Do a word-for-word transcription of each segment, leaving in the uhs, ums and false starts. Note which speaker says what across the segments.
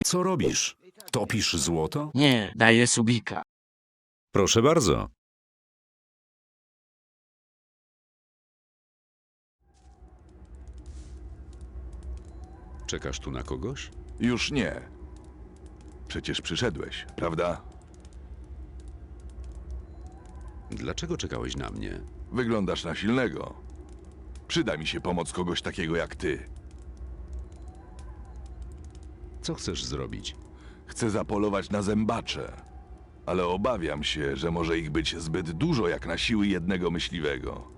Speaker 1: Co robisz? Topisz złoto?
Speaker 2: Nie, daję subika.
Speaker 1: Proszę bardzo. Czekasz tu na kogoś?
Speaker 3: Już nie. Przecież przyszedłeś, prawda?
Speaker 1: Dlaczego czekałeś na mnie?
Speaker 3: Wyglądasz na silnego. Przyda mi się pomoc kogoś takiego jak ty.
Speaker 1: Co chcesz zrobić?
Speaker 3: Chcę zapolować na zębacze, ale obawiam się, że może ich być zbyt dużo jak na siły jednego myśliwego.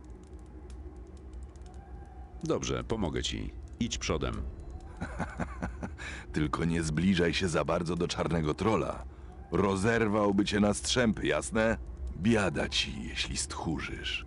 Speaker 1: Dobrze, pomogę ci. Idź przodem.
Speaker 3: Tylko nie zbliżaj się za bardzo do czarnego trola. Rozerwałby cię na strzępy, jasne? Biada ci, jeśli stchórzysz.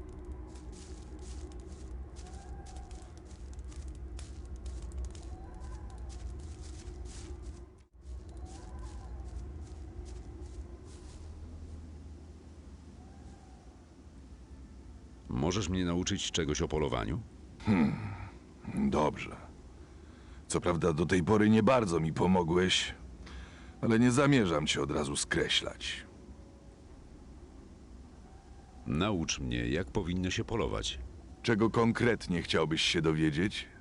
Speaker 1: Możesz mnie nauczyć czegoś o polowaniu?
Speaker 3: Dobrze. Co prawda do tej pory nie bardzo mi pomogłeś, ale nie zamierzam cię od razu skreślać.
Speaker 1: Naucz mnie, jak powinno się polować.
Speaker 3: Czego konkretnie chciałbyś się dowiedzieć?